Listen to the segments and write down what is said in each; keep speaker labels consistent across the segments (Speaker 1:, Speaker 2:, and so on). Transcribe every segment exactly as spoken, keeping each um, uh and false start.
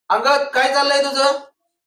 Speaker 1: अंगद काय चाललंय तुझं?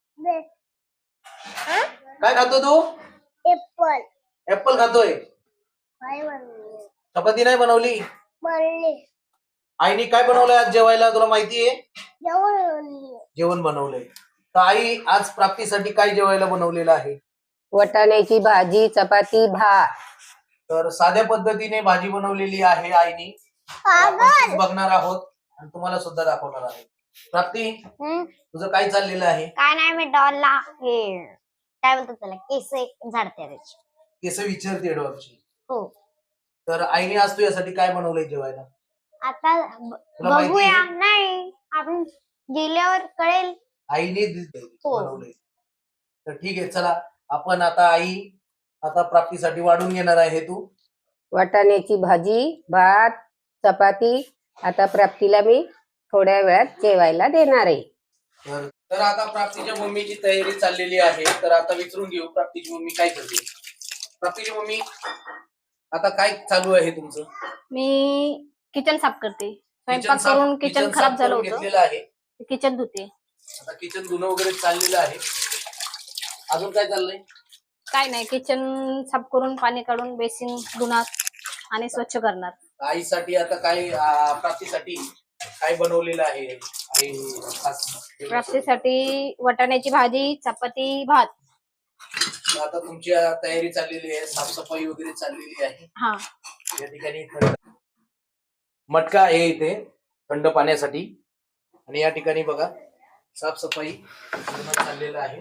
Speaker 1: काय खातो तू?
Speaker 2: एप्पल.
Speaker 1: ऍपल खातोय.
Speaker 2: काय बनवले?
Speaker 1: चपाती नाही बनवली?
Speaker 2: बनले.
Speaker 1: आईने काय बनवलंय आज जेवायला तुला माहितीये?
Speaker 2: जेवण बनवले.
Speaker 1: जेवण बनवलंय. तर आई आज प्राप्तीसाठी काय जेवायला बनवलेलं आहे?
Speaker 3: वाटाण्याची भाजी, चपाती, भात.
Speaker 1: तर साध्या पद्धतीने भाजी बनवलेली आहे आईनी. तर आपण तीच बघणार आहोत आणि तुम्हाला सुद्धा दाखवणार आहे. प्राप्ती तुझं काय चाललेलं आहे?
Speaker 2: काय नाही, मी डॉलला हे काय बोलतात त्याला, केस झाडते त्याची.
Speaker 1: केस विचारते डॉलची.
Speaker 2: हो.
Speaker 1: तर आईने आज तुझ्यासाठी काय बनवलंय जेवायला?
Speaker 2: आता
Speaker 1: तुला माहिती
Speaker 2: बघूया.
Speaker 1: आहे?
Speaker 2: नाही, आपण गेल्यावर कळेल.
Speaker 1: आईने
Speaker 2: हो.
Speaker 1: बनवलंय. तर ठीक आहे, चला आपण आता आई आता प्राप्तीसाठी वाढून घेणार आहे. तू
Speaker 3: वाटाण्याची भाजी, भात, चपाती. आता प्राप्तीला मी थोड्या वेळात जेवायला देणार आहे.
Speaker 1: तर तर आता प्राप्तीच्या मम्मीची तयारी चाललेली आहे. तर आता विचारून घेऊ प्राप्तीची मम्मी काय करते. प्राप्तीची मम्मी आता काय चालू आहे तुमचं?
Speaker 4: मी किचन साफ करते.
Speaker 1: किचन
Speaker 4: स्वयंपाक
Speaker 1: साफ-
Speaker 4: करून
Speaker 1: किचन
Speaker 4: किचन
Speaker 1: साफ
Speaker 4: खराब झालं
Speaker 1: करून
Speaker 4: होतं,
Speaker 1: घेतलेलं आहे.
Speaker 4: किचन धुते.
Speaker 1: आता किचन धुणं वगैरे चाललेलं आहे. अजून काय चाललंय?
Speaker 4: काय नाही, किचन साफ करून पाणी काढून बेसिन धुणार आणि स्वच्छ करणार.
Speaker 1: आईसाठी आता काय आ, प्राप्तीसाठी काय बनवलेलं आहे आई खास?
Speaker 4: प्राप्तीसाठी वाटाण्याची भाजी, चपाती, भात.
Speaker 1: आता तुमची तयारी चाललेली आहे, साफसफाई वगैरे चाललेली आहे.
Speaker 4: हा,
Speaker 1: या ठिकाणी थंड मटका आहे इथे थंड पाण्यासाठी आणि या ठिकाणी बघा साफसफाई पूर्ण चाललेलं आहे.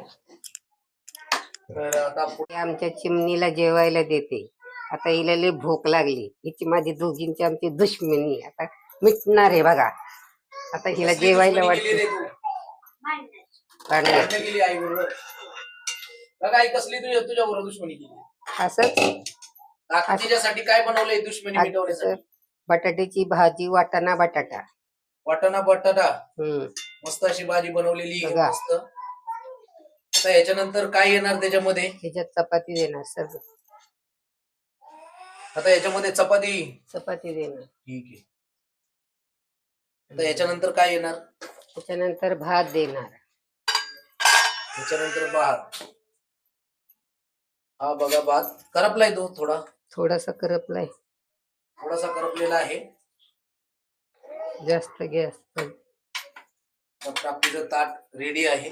Speaker 1: तर आता पुढे
Speaker 3: मी आमच्या चिमणीला जेवायला देते. आता हिला लई भूक लागली. हिची माझी दोघींची आमची दुश्मनी आता मिटणार आहे बघा. आता हिला
Speaker 1: कसली
Speaker 3: जेवायला
Speaker 1: दुश्मनी केली
Speaker 3: वाटते.
Speaker 1: रे तू?
Speaker 3: भांडण.
Speaker 1: भांडणं केली आई बरोबर? बघा आई कसली तुझ्या तुझ्या बरोबर दुश्मनी केली?
Speaker 3: असंच
Speaker 1: आता तिच्यासाठी काय बनवलंय दुश्मनी
Speaker 3: आज
Speaker 1: मिटवण्यासाठी?
Speaker 3: बटाट्याची भाजी, वाटाणा बटाटा.
Speaker 1: वाटाणा बटाटा
Speaker 3: हम्म
Speaker 1: मस्त अशी भाजी बनवलेली आहे,
Speaker 3: बघा.
Speaker 1: मस्त. आता याच्यानंतर काय येणार त्याच्यामध्ये?
Speaker 3: ह्याच्यात चपाती देणार सर.
Speaker 1: आता याच्यामध्ये चपाती.
Speaker 3: चपाती देणार.
Speaker 1: ठीक आहे. आता याच्यानंतर काय येणार?
Speaker 3: त्याच्यानंतर भात देणार.
Speaker 1: त्याच्यानंतर भात. हा बघा भात करपलाय तो थोडा
Speaker 3: थोडासा करपलाय.
Speaker 1: थोडासा करपलेला आहे.
Speaker 3: जास्त गॅस.
Speaker 1: आता प्राप्तीचं ताट रेडी आहे.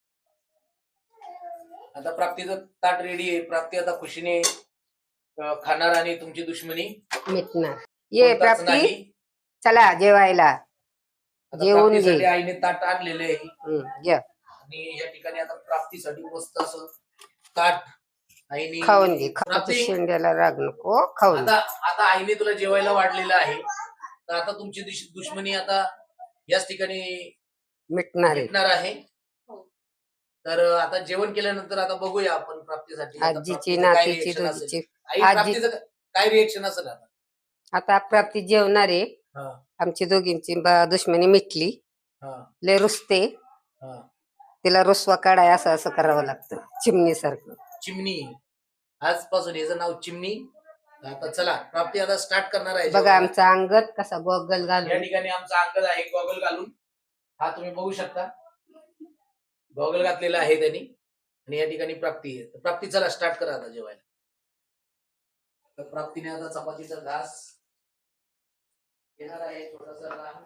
Speaker 1: आता प्राप्तीचं ताट रेडी आहे. प्राप्ती आता खुशीने अं, खाणार आणि तुमची दुश्मनी
Speaker 3: मिटणार. ये
Speaker 1: कोणताच
Speaker 3: प्राप्ती,
Speaker 1: नाही.
Speaker 3: चला जेवायला.
Speaker 1: आता
Speaker 3: जेवून
Speaker 1: प्राप्तीसाठी
Speaker 3: घे.
Speaker 1: आईने ताट आणलेले आहे
Speaker 3: हम्म, घ्या.
Speaker 1: आणि या ठिकाणी आता प्राप्तीसाठी मस्त असं ताट आईने
Speaker 3: खाऊन घे. खाऊ
Speaker 1: प्राप्ती
Speaker 3: शेंड्याला राग नको. खाऊन घे.
Speaker 1: आता आता आईने तुला जेवायला वाढलेलं आहे. तर आता तुमची दुश- दुश्मनी आता याच ठिकाणी
Speaker 3: मिटणार आहे.
Speaker 1: भेटणार आहे. तर आता जेवण केल्यानंतर आता बघूया आपण प्राप्तीसाठी आता
Speaker 3: आजीची
Speaker 1: प्राप्तीचं काय
Speaker 3: नातीची
Speaker 1: reaction असेल.
Speaker 3: दोघीची.
Speaker 1: आई
Speaker 3: आजी
Speaker 1: प्राप्तीचं काय रिएक्शन असेल आता?
Speaker 3: आता प्राप्ती जेवणार आहे.
Speaker 1: हा,
Speaker 3: आमची दोघींची ब- दुश्मनी मिटली.
Speaker 1: हा,
Speaker 3: लय रुसते.
Speaker 1: हा.
Speaker 3: तिला रुसवा काढाय असं असं करावं लागतं चिमणी सारखं.
Speaker 1: चिमणी आजपासून याचं नाव चिमणी. आता चला प्राप्ती आता स्टार्ट करणार आहे
Speaker 3: बघा
Speaker 1: जेवायला.
Speaker 3: आमचा अंगद कसा गॉगल
Speaker 1: या
Speaker 3: घालून.
Speaker 1: ठिकाणी आमचा अंकल आहे गॉगल घालून. हा तुम्ही बघू शकता गॉगल घातलेला आहे त्यांनी. आणि या ठिकाणी प्राप्ती आहे. तर प्राप्ती चला स्टार्ट करा आता जेवायला. तर प्राप्तीने आता चपातीचा घास घेणार आहे थोडासा लहान.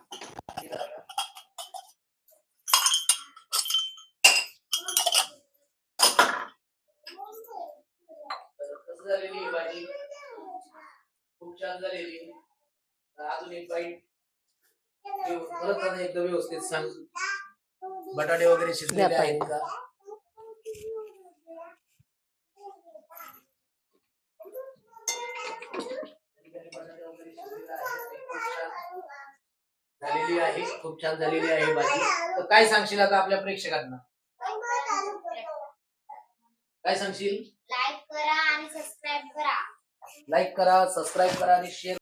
Speaker 1: तर कसं झालेली ही भाजी? खूप छान झालेली. तर अजून एक बाईट परत आता एकदा व्यवस्थित सांग. बटाटे वगैरे शिजलेले आहेत का? बटाटे वगैरे शिजलेले आहेत. खूप छान झालेली आहे. खूप छान झालेली आहे भाजी. तर काय सांगशील आता आपल्या प्रेक्षकांना? काय सांगशील?
Speaker 2: लाईक करा आणि सबस्क्राईब करा.
Speaker 1: लाईक करा, सबस्क्राईब करा आणि शेअर